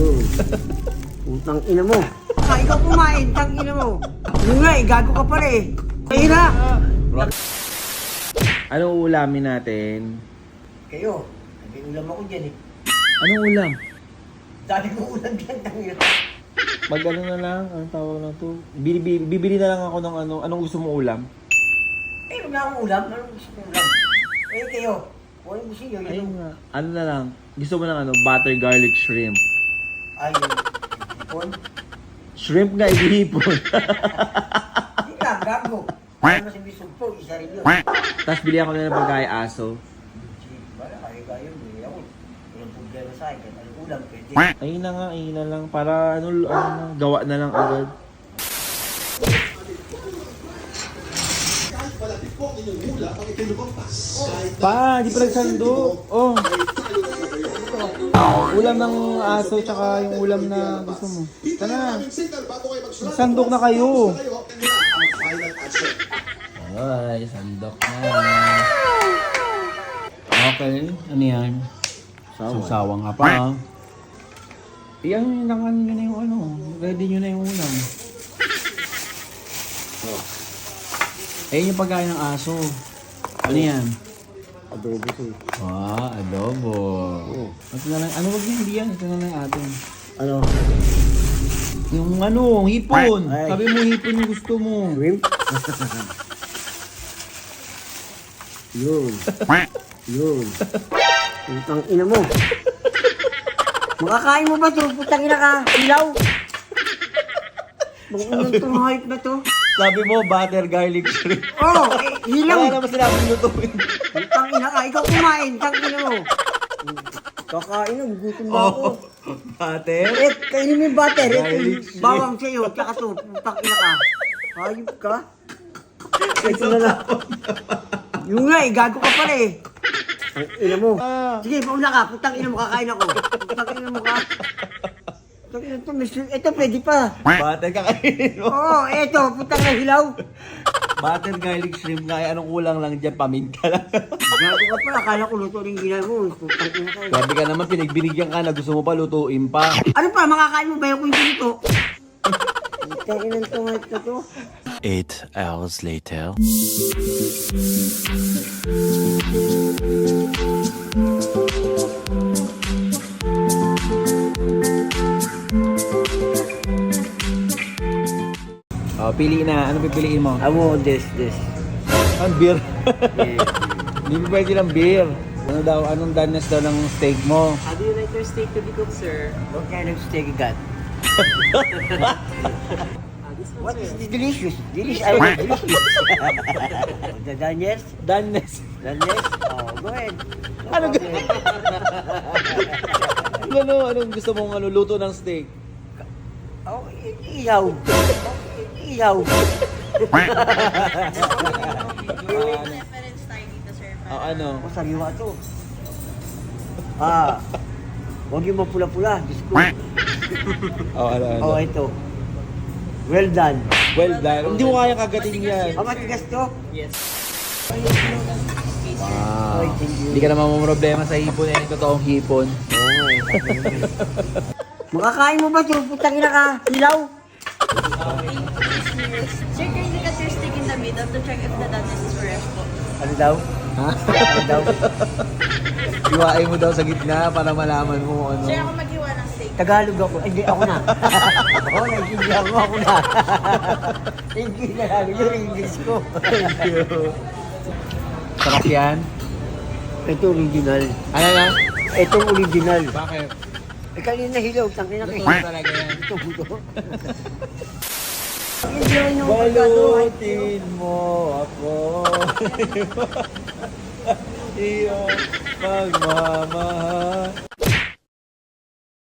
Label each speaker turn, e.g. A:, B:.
A: Yun. Utang ina mo. Ikaw kumain, tang ina mo. Yun nga eh, gago ka pa rin. Kaya na.
B: Anong ulamin natin?
A: Kayo, may ulam ako dyan eh.
B: Anong ulam?
A: Dati ko ulam dyan, tang ina.
B: Mag ano na lang, anong tawag na to? Bibili na lang ako ng anong gusto mong ulam?
A: Eh, wala akong ulam. Anong gusto kong ulam? Eh, kayo. Kung ano gusto nyo,
B: Ayun
A: yun.
B: nga. Ano na lang? Gusto mo ng butter garlic shrimp.
A: Ay, hipon.
B: Shrimp nga, ihihipon.
A: Hindi ka, gago. Ano mas ibig sumpo, isa rin yun.
B: Tapos bili ako na ng pagkain aso.
A: Wala, kaya yun. Bili ako. Walang problema sa akin. Ano ulam, pwede.
B: Ayun na nga, ayun na lang. Para gawa na lang agad. Pa, di pa nagsando. Oh. Ulam ng aso tsaka yung ulam na gusto mo. Tara. Sandok na kayo. Ay, sandok na. Okay, ano yan? Susawang ka pa. Yan, nangan nyo na yung ready nyo na yung ulam. Ayun yung pagkain ng aso. Ano yan?
A: Adobo ko.
B: Adobo. Ito na lang, wag yan, hindi yan. Ito na lang atin.
A: Ano?
B: Yung hipon.
A: Ay.
B: Sabi mo hipon yung gusto mo.
A: Shrimp? Yun. Yun. Utang ina mo. Makakain mo ba ito? Putang ina ka. Ilaw. Bang unang itong hype na to.
B: Sabi mo, butter garlic shrimp.
A: Oh, hilaw.
B: Wala naman sinabi lutuin.
A: Utang ina ka. Ikaw kumain. Tang ina mo. Kakain na. Gutom na ako.
B: Butter?
A: Eh, kainin mo yung butter. Ito
B: Garlic
A: yung
B: shrimp.
A: bawang sa'yo. Tsaka to. Utang ina ka. Hayop ka. Ito na lang. Yung nga eh. Gago ka pala eh. Ang ina mo. Sige, pauna ka. Putang ina mo. Kakain ako. Putang ina mo ka. Putang ina to. Ito pwede pa.
B: Butter kakainin mo.
A: Oo, ito. Putang na hilaw.
B: Butter garlic shrimp nga. Anong kulang lang dyan? Paminta lang.
A: Gago ka pala. Akala ko luto rin gina mo. Putang ina ka.
B: Sabi ka naman, pinagbinigyan ka na. Gusto mo pa lutuin pa.
A: Ano pa? Makakain mo ba yung hindi ito? Putang ina to. Ito to.
C: 8 hours later.
B: Pili na. Ano pipiliin mo?
A: Amo, this.
B: Ang beer.
A: Yeah.
B: Hindi mo pwede ng beer. Ano daw? Anong danas daw ng steak mo?
D: How do you like your steak to be cooked, sir?
A: What kind of steak you got?
D: This one,
A: What
D: sir.
A: is this delicious? Delicious. I like delicious. The Daniels?
B: Danas.
A: Daniels? Oh, go ahead.
B: Ano anong gusto mong luto ng steak?
A: Oh, ihaw. Ihaw.
D: Reference tayo dito, sir.
B: Ano?
A: Oh, sariwa to. Huwag yung mapula-pula. Diyos ko.
B: Ano?
A: Oh, ito. Well done.
B: Well done. Hindi mo kaya kagatin yan.
A: Ang matigas to?
D: Yes.
B: Wow.
A: Oy, thank you.
B: Hindi ka naman problema sa hipon eh. Totoong hipon.
A: Oo. Makakain mo ba ito? Putang ina ka. Hilaw.
D: Sir, can you look at your steak in the middle to check if the doneness is fresh po?
A: Ano daw?
B: Ha?
A: Ano daw?
B: Iwain mo daw sa gitna para malaman mo ano.
D: Sir, ako maghiwa ng steak.
A: Tagalog ako. Ay, hindi, ako na. Oo, naiintindihan ko ako na. Hindi na lang yung English ko.
B: Sarap yan.
A: Ito original.
B: Ano na?
A: Itong original.
B: Bakit?
A: Eh, kanina hilaw. Tangina ka.
B: Gusto talaga yan.
A: Ito, buto. Enjoy nyo.
B: Balutin mo ako. Iyo pagmamahal.